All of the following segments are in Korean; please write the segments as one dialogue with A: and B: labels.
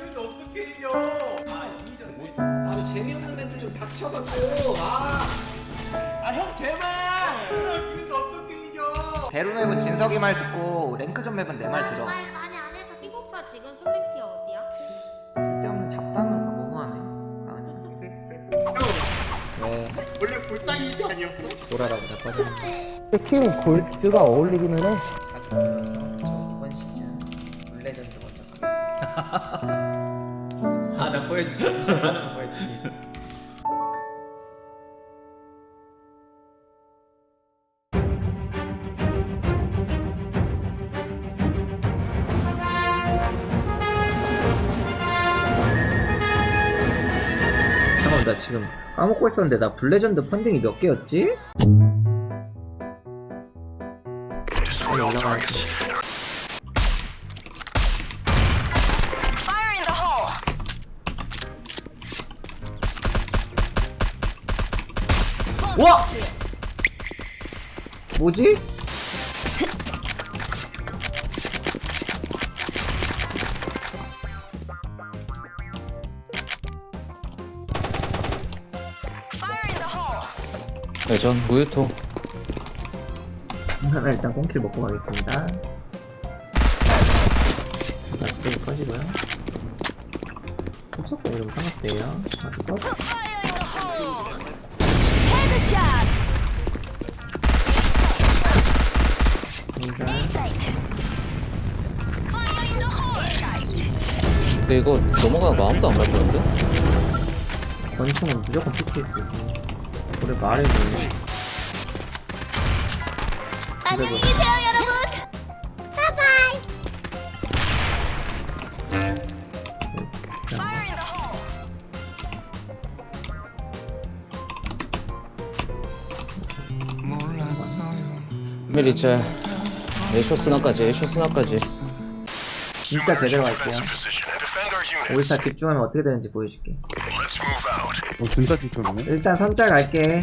A: 여기서 어떻게 이겨?
B: 아 재미없는 멘트 좀 닥쳐갖고.
A: 형 제발. 여기서 어떻게 이겨?
B: 배로 맵은 진석이 말 듣고 랭크전 맵은 내 말 들어.
C: 아니 안에서 띠 오빠 지금 솔랭티 어디야?
B: 쓸데없는 잡담을 너무하네. 왜
D: 원래 골당이 아니었어?
B: 보라라고 자빠졌는데.
E: 팀 골드가 어울리기는 해.
B: 자주 불러서 저 이번 시즌 블레전드 먼저 가겠습니다.
A: 나 보여줄게 진짜. 나 보여줄게.
B: 잠깐만 나 지금 까먹고 있었는데 나 블레전드 펀딩이 몇 개였지? 올라가야지. 와! 뭐지?
F: 네, 전 무유토.
B: 하나 일단 꽁킬 먹고 가겠습니다. 또 꺼지고요. 훔쳤고 이러면 상관없대요.
F: 근데 이거 넘어가는 거 아무도 안 가져왔는데?
B: 권총은 무조건 PTS지. 그래 말해 뭐.
C: 안녕히 계세요 여러분. 바이바이.
F: 메리짤 에쇼스나까지 에쇼스나까지.
B: 진짜 제대로 갈게요. 5일차 집중하면 어떻게 되는지 보여줄게.
E: 진짜 집중하네.
B: 일단 선짤 갈게.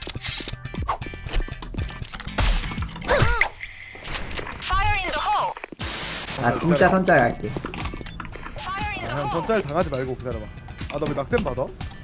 B: 아 진짜 선짤 갈게.
E: 형 전짤 당하지 말고 기다려봐. 아 나 왜 낙뎀 받아?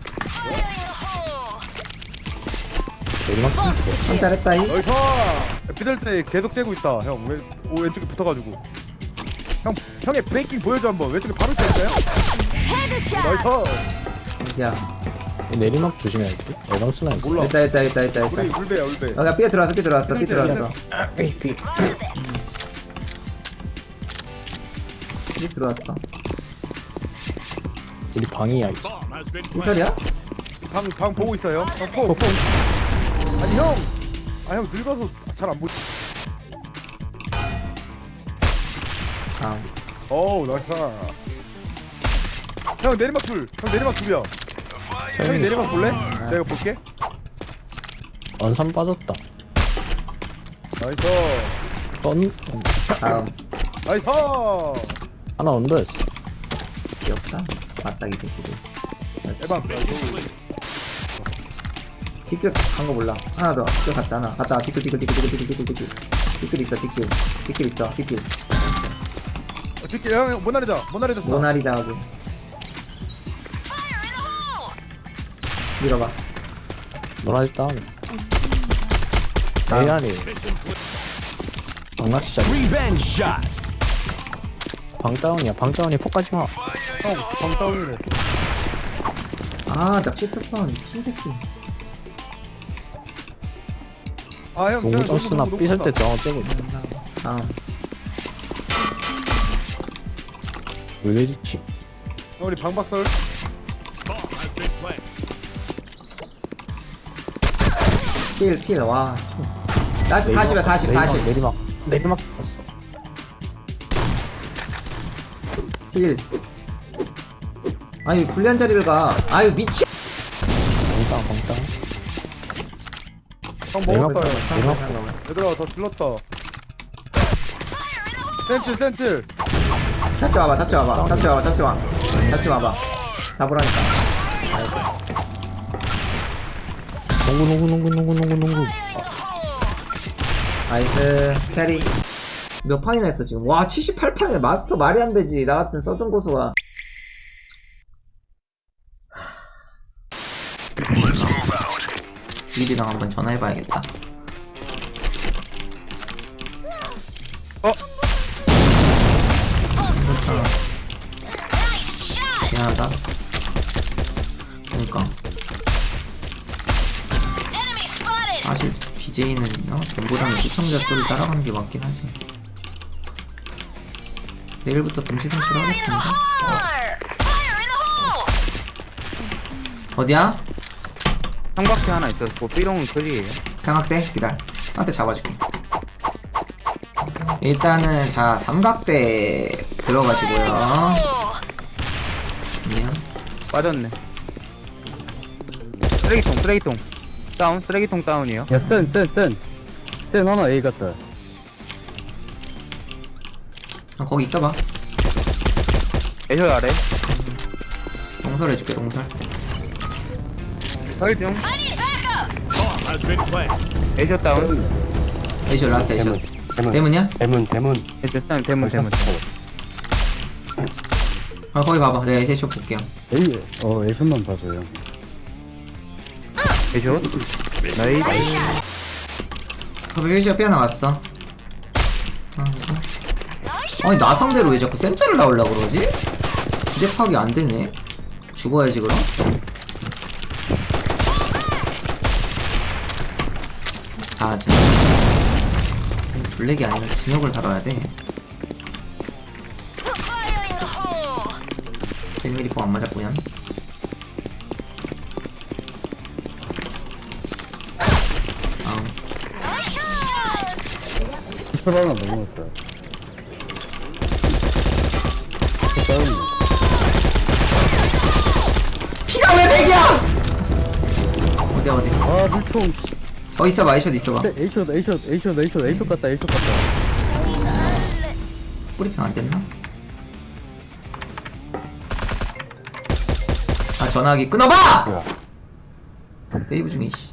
B: 선짤 했다이.
E: 어이서 비들 때 계속 째고 있다. 형 왼쪽에 붙어가지고. 형의 브레이킹 보여줘 한번. 왼쪽에 바로 째있어요? 나이스.
B: 어디야?
F: 내리막 조심해야지. 에방스나 있어.
E: 몰라.
B: 있다.
E: 우리 울베야 울베.
B: 야 삐에 들어왔어. 삐 들어왔어.
F: 우리 방이야 이제.
B: 무슨 소리야?
E: 방 보고 있어요. 형 포. 아니 형. 아 형 늙어서 잘 안 보이.
B: 아
E: 어우 나이스. 형 내리막 둘. 형 내리막 둘이야. 형이 내리막 볼래? 내가 볼게.
F: 언삼 빠졌다.
E: 나이스.
B: 다음
E: 나이스.
F: 하나 언더였어.
B: 귀엽다. 맞다 이 새끼들.
E: 에방.
B: 뒷길 간거 몰라. 하나 더. 뒷길 갔다 하나. 갔다. 뒷길. 뒷길 있어. 뒷길.
E: 뒷길 형 모나리자 써.
B: 모나리자하고. 밀어봐.
F: 노라지 다운. AR이 방낚시자. 방다운이야. 방다운이 폭까지 마.
E: 형 방다운이래.
B: 아 낚시 특파원 미친 새끼.
E: 아형
F: 농구장스나 삐설 때 저항 째고 있어.
B: 다음.
F: 왜 좋지?
E: 우리 방박설.
B: 킬. 와. 나이스 40이야 40.
F: 내리막 봤어.
B: 킬. 아니 불리한 자리를 가. 아유 미친.
F: 방다운.
E: 형
F: 내리막
E: 먹었다 형.
F: 내리막.
E: 얘들아 더 질렀다. 센칠.
B: 잡지 와봐. 잡으라니까.
F: 농구.
B: 나이스 캐리. 몇 판이나 했어 지금. 와 78판에 마스터 말이 안 되지. 나 같은 서든 고수가. 이리랑 한번 전화해봐야겠다. 미안하다. 그니까 사실 BJ는 전보다는 시청자 소리 따라가는 게 맞긴 하지. 내일부터 동시 선출을 하겠습니다. 어디야?
G: 삼각대 하나 있었고 삐롱은 클리에요.
B: 삼각대? 기다려. 삼각대 잡아줄게. 일단은 자 삼각대 들어가시고요. 미안.
G: 빠졌네. 쓰레기통 다운. 쓰레기통 다운이요.
F: 야센 하나 A 같다.
B: 거기 있어봐.
G: 애쇼 아래.
B: 동설 해줄게 동설.
G: 설중. 애쇼 다운.
B: 에이쇼 라스트 에이쇼. 대문이야?
F: 대문.
G: 애쇼 다운. 대문.
B: 거기 봐봐. 내가 에이쇼 볼게요.
F: A A슛만 봐줘요.
G: 애쇼. 나이스.
B: 거기 에이쇼 삐 하나 왔어. 아니 나 상대로 왜 자꾸 센자를 나오려고 그러지? 기대 파악이 안 되네. 죽어야지 그럼. 아 진짜 블랙이 아니라 진혁을 살아야 돼. 1mm 뽕 안 맞았구요.
F: 슛 하나 넘어갔다. 다운.
B: 피가 왜 100이야! 어디
F: 아 물총.
B: 있어봐. 에이쇼도 있어봐.
F: A슛 같다.
B: 뿌리핑 안 됐나? 아 전화기 끊어봐! 데이브 중에 씨.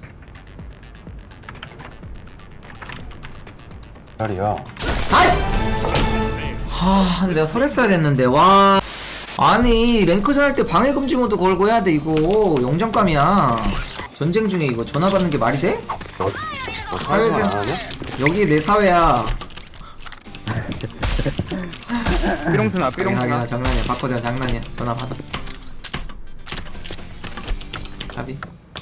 F: 자리야.
B: 근데 내가 설했어야 됐는데 와. 아니 랭크전 할 때 방해 금지 모드 걸고 해야 돼 이거. 영장감이야. 전쟁 중에 이거 전화 받는 게 말이 돼? 사회생 여기 내 사회야.
G: 삐롱스나.
B: 장난이야 장난이야. 바꿔대가 장난이야. 전화 받아. 가비.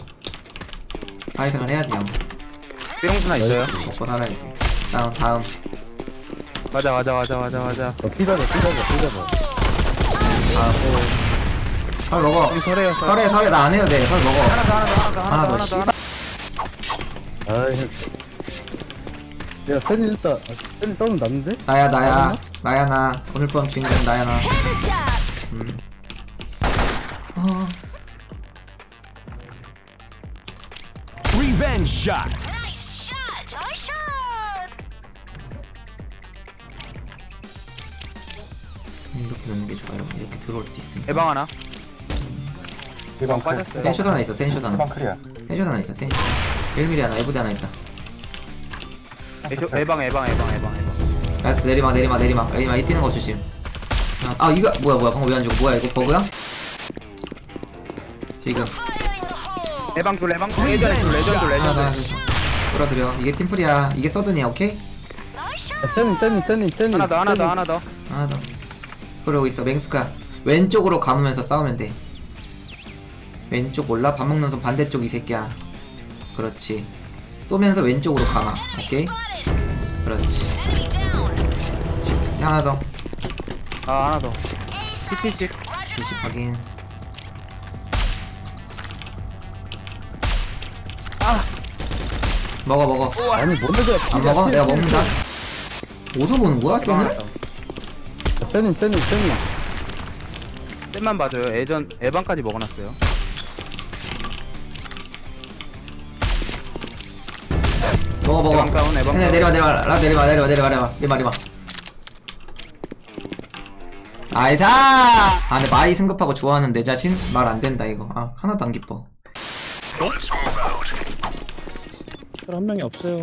B: 사회생활 해야지 형.
G: 삐롱스나 있어요.
B: 먹고 살아야지. 다음.
G: 맞아.
F: 삐가자.
B: 설 먹어.
G: 설해요.
B: 설에 나 안 해도 돼. 설 먹어. 하나 더 씨발.
F: 야 센이 일단 센이 싸움 났는데?
B: 나야 나 오늘 밤 주인공 나야 나. 이렇게 넣는 게 좋아요. 이렇게 들어올 수 있으니까.
G: 애방 하나.
F: 대방
G: 빠졌어요.
B: 센슛 하나 있어. 센슛 하나.
F: 클리어.
B: 센슛 하나 있어. 센슛. 1mm 하나. 에브드 하나 있다.
G: 애쇼 애방.
B: 나이스. 내리막. 이 뛰는 거 조심. 아 이거 뭐야 방금 왜 안 죽어? 뭐야 이거 버그야? 지금
G: 애방 둘. 레전드.
B: 하나 끌어들여. 이게 팀플이야. 이게 서든이야. 오케이?
F: 센이
G: 하나 더.
B: 하나 더. 그러고 있어. 맹스카 왼쪽으로 감으면서 싸우면 돼. 왼쪽 몰라? 밥 먹는 손 반대쪽 이 새끼야. 그렇지. 쏘면서 왼쪽으로 감아. 오케이? 그렇지. 하나 더.
G: 하나 더. PTC.
B: 20 확인. 먹어.
F: 아니 뭔데
B: 안 먹어? 내가 먹는다. 어디서 보는 거야? 쟤는?
F: 센이
G: 쌤만 봐줘요. 애방까지 먹어놨어요.
B: 먹어.
G: 애방 다운.
B: 내려와. 나이사! 근데 마이 승급하고 좋아하는 내 자신? 말 안 된다 이거. 하나도 안 기뻐.
F: 한 명이 없어요.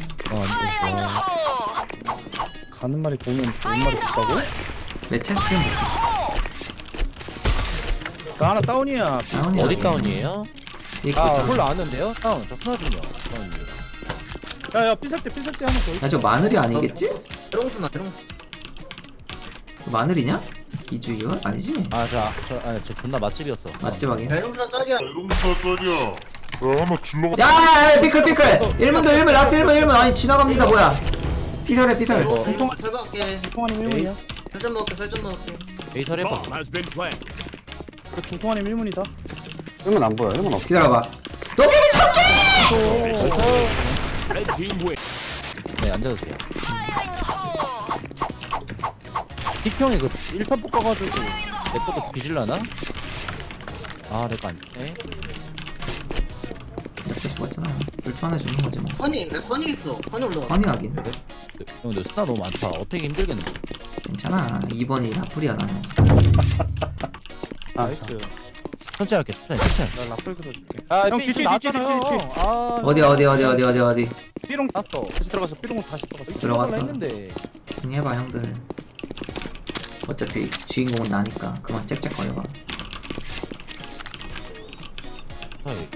F: 가는 말이 보면 온 말이 있다고?
B: 내 채팅
F: 나 하나 다운이야.
B: 다운이야.
H: 어디 다운이에요? 홀라 아는데요? 다운 저 스나 중이요.
E: 야야 삐살 때 하나 더 있어.
B: 야 저 마늘이 아니겠지?
A: 에롱스나 에롱스.
B: 마늘이냐? 이주이요? 아니지?
H: 저 존나 맛집이었어.
B: 맛집 하긴.
A: 에롱스나 짤이야.
B: 야 피클 1문도 1문 라스트 1문 아니 지나갑니다 뭐야. 피살해 피살.
A: 에롱스 설박할게.
E: 중통환님 1문이야.
A: 설정 먹을게 설정 먹을게.
H: 에이 설해봐.
E: 중통환님 1문이다.
F: 1문 안 보여 1문 없어
B: 기다려봐. 도깨비 참기!
H: 네 앉아주세요. 픽평이 그 1턴 뽑아가지고 내 것도 뒤질라나? 아 내거 아니네.
B: 역시 죽었잖아. 불초 하나 주는 거지 뭐.
A: 허니 내 허니 있어. 허니 올라와.
B: 환희하긴.
H: 형 근데 스나 너무 많다. 어떻게 힘들겠네.
B: 괜찮아. 2번이 라플이야 나는.
E: 나이스.
H: 천천히 할게. 천천히.
E: 나 라플 들어줄게.
H: 아,
E: 형, 뒤치, 뒤치.
H: 아,
B: 어디.
E: 삐롱 땄어. 다시 들어갔어. 삐롱 다시 들어갔어.
B: 들어갔어.
H: 했는데.
B: 응 해봐 형들. 어차피 주인공은 나니까 그만 짹짹거려봐.
H: 아이,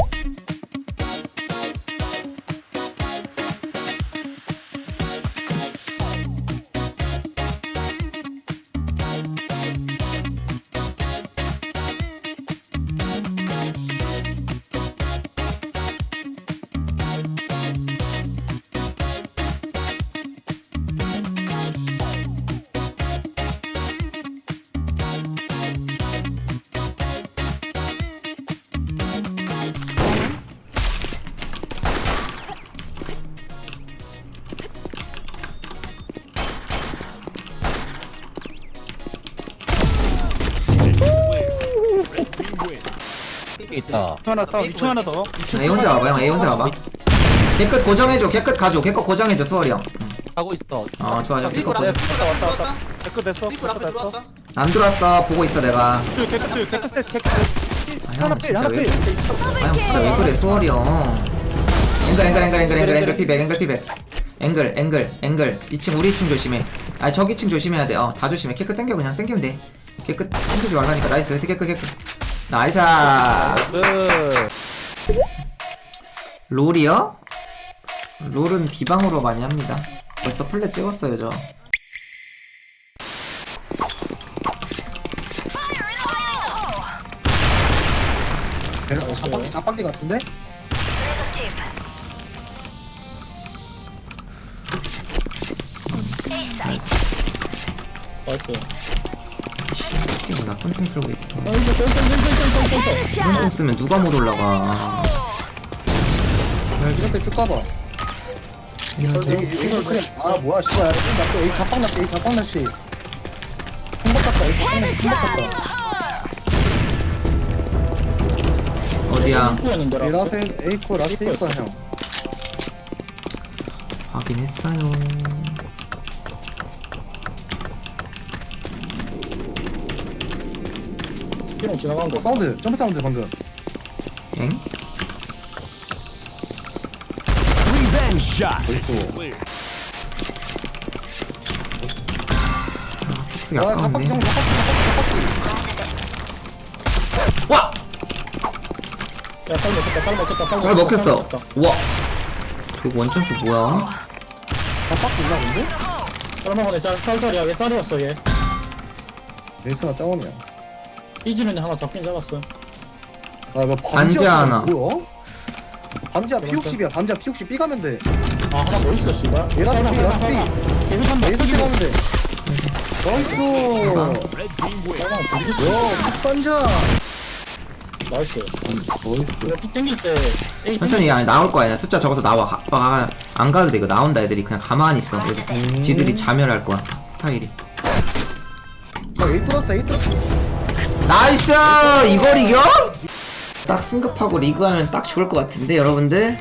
H: 있다.
E: 하나 다운. 2층 하나 더.
B: A 혼자 와봐 형 A 혼자 와봐. 개끝 고정해줘 개끝 가줘 개끝 고정해줘 수월이 형.
H: 하고 있어.
B: 어 좋아
A: 삐꾸
B: 개끝
A: 라플
B: 고정.
A: 삐꾸 라플 들어왔다.
E: 댓글 됐어.
A: 삐꾸 라플
E: 됐어.
A: 들어왔다.
B: 안 들어왔어 보고 있어 내가.
E: 댓글 셋.
B: 형 진짜 왜 형 진짜 왜 그래 수월이 형. 앵글 피백 앵글 2층 우리 2층 조심해. 아 저기 2층 조심해야 돼. 다 조심해. 개끝 당겨 그냥 당기면 돼. 개끝 당기지 말라니까. 나이스 개끝 나이스. 롤이요? 롤은 비방으로 많이 합니다. 벌써 플랫 찍었어요 저.
F: 자빵디 같은데?
E: 나이스.
B: 이거 나쁜 총 쓰고 있어. 이런 총 쓰면 누가 못 올라가.
F: 이렇게 쭉 가봐 아 뭐야 씨발 나또 A 자빵 날씨 총박 같다 A 자빵 날씨 총박 같다
B: 어디야?
F: 라스 A코 라스 A코 형
B: 확인했어요.
E: 삐롱 지나간 거.
F: 사운드 점프 사운드 방금
B: 엥? 폭스가
F: 아 자빵디 형
B: 아까운데.
F: 자빵디
B: 와!
E: 야, 쌀 먹혔다.
B: 잘 먹혔어. 와. 그 원점수 뭐야?
F: 자빵디 있나 본데?
E: 쌀 먹었네. 쌀자리야. 왜 쌀이었어 얘?
F: 레이스가 짜오냐
E: 삐지는 하나 잡긴 잡았어.
F: 아뭐
B: 반지 하나.
F: 뭐야? 반지야 P60이야 반지야 P60 B 가면 돼
E: 아 하나 더 있어 씨발.
F: 얘라스 B 라스 B
E: 개미 한번
F: 레이스 B 가면 돼 나이스 야 반지야
E: 나이스.
F: 나이스
E: 피 땡길 때 에이
B: 천천히 아니 나올 거 아니야. 숫자 적어서 나와. 안 가도 돼. 이거 나온다 애들이 그냥 가만히 있어. 그래서 지들이 자멸할 거야. 스타일이.
F: A 뚫었어
B: 나이스! 이걸 이겨? 딱 승급하고 리그하면 딱 좋을 것 같은데 여러분들.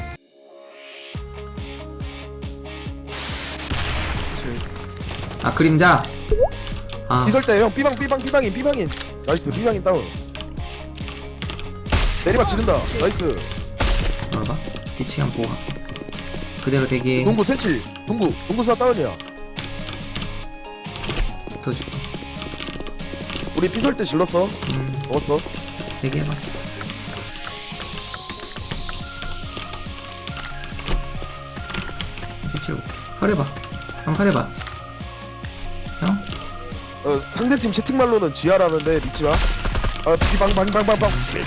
B: 아 그림자. 아
E: 이설 때 형 삐방인. 나이스 삐방인 다운. 내리막 지른다. 나이스.
B: 뭐봐? 뒤치 한번 보고 갈게. 그대로 대기.
E: 동구 센치. 동구 수나 다운이야.
B: 붙어줄게.
E: 우리 삐설 때 질렀어. 먹었어.
B: 대기해봐. 칼해봐. 형 칼해봐. 형?
E: 상대팀 채팅말로는 지하라는데 믿지마. 비방방방방방.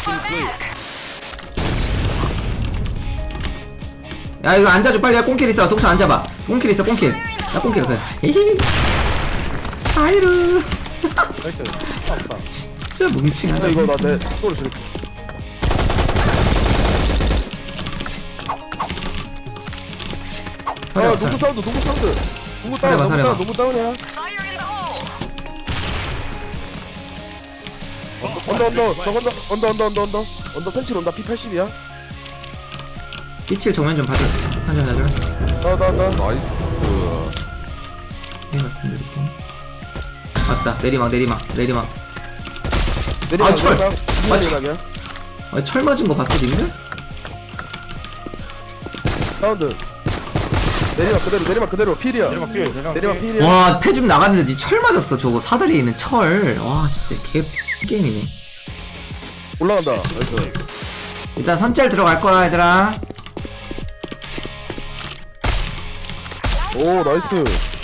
B: 야 이거 앉아줘 빨리. 야 꽁킬 있어. 독서 앉아봐. 꽁킬 있어 꽁킬. 야 꽁킬 그래. 히히. 아이루.
E: 나이스. 없다.
B: 진짜 뭉칭하다.
E: 이거 나내 속도로 줄게. 농구 사운드. 농구 다운.
B: 살해봐.
E: 농구 다운이야. 언더 센칠 온다. P80이야.
B: 삐칠 정면 좀 봐줘. 한잔 가져.
E: 나.
D: 나이스.
B: 얘 같은데 느낌. 맞다. 내리막.
E: 내리막.
B: 철.
E: 내리막이야.
B: 아니 철 맞은 거 봤어 님들?
E: 사운드. 내리막 그대로. 필이야. 내리막 필이야.
B: 와 패 좀 나갔는데 니 철 맞았어. 저거 사다리에 있는 철. 와 진짜 개 게임이네.
E: 올라간다. 나이스.
B: 일단 선짤 들어갈 거야 얘들아.
E: 오 나이스.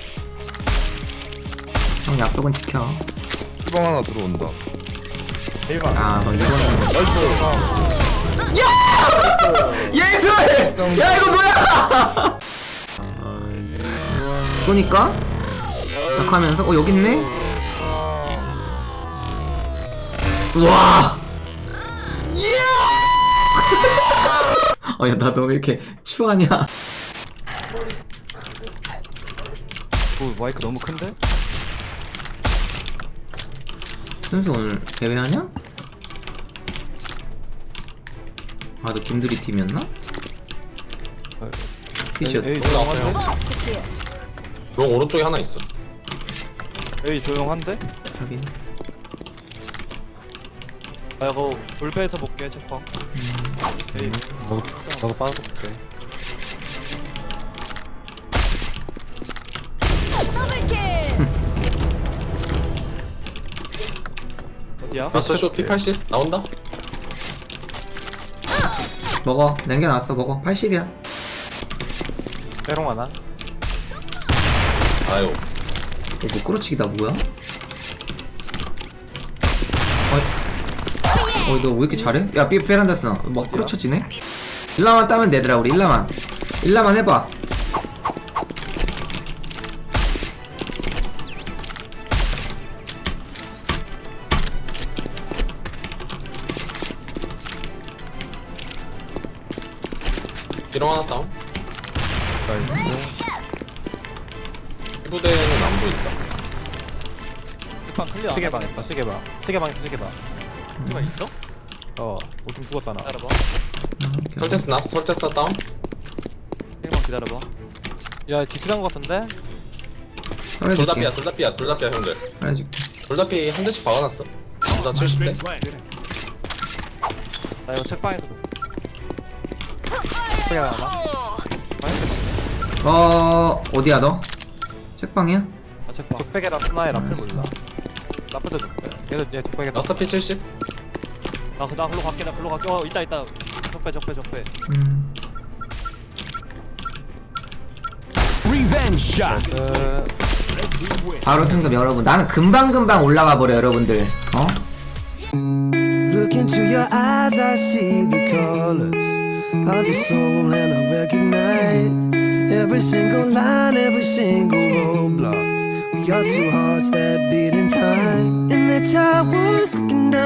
B: 형 약속은 지켜.
D: 희망 하나 들어온다.
B: 아너 이거는
E: 나이스.
B: 예술! 야 이거 뭐야? 쏘니까 딱 하면서 여기 있네? 우와! 이야! 야 나 너 왜 이렇게 추하냐?
H: 마이크 너무 큰데?
B: 순수 오늘 대회하냐? 아 너 김두리 팀이었나? 티셔츠
H: 에이 조용한데?
I: 롱 오른쪽에 하나 있어.
H: 에이 조용한데?
B: 하긴.
H: 아 이거 돌배에서 볼게 책방. 에이 나도 빠져볼게. 어디야?
I: 라스트 쇼 P80 나온다.
B: 먹어 남겨놨어. 먹어 80이야.
H: 빼롱 하나?
I: 아유.
B: 이거 끌어치기다 뭐야? 너 왜 이렇게 잘해? 야 베란다 쓰나 막 끌어쳐지네? 일라만 따면 되더라 우리 일라만 해봐.
I: 비롱 하나 다운. 피부대는 안 보인다.
H: 책방 클리어. 시계방 있어. 시계방 있어? 오팀 죽었잖아. 기다려봐.
I: 설테스 나 다운.
H: 시계방 기다려봐. 야 디스간 거 같은데?
I: 둘 다
B: 썰어줄게.
I: 삐야 형들.
B: 썰어줄게.
I: 둘 다 삐 한 대씩 박아놨어. 둘 다 70대.
H: 나 이거 책방에서 볼게.
B: 어디야 너? 책방이야?
H: 아 책방. 족백이랑 스나에 라플 몰라. 라플도 족백. 얘 족백에.
I: 라스트 P70.
H: 나 글로 갈게. 있다. 적배.
B: 바로 생각 여러분. 나는 금방 올라가 버려 여러분들.
J: Look into your eyes, I see the colors of your soul, and I recognize every single line, every single roadblock. We are two hearts that beat in time, and the towers looking down.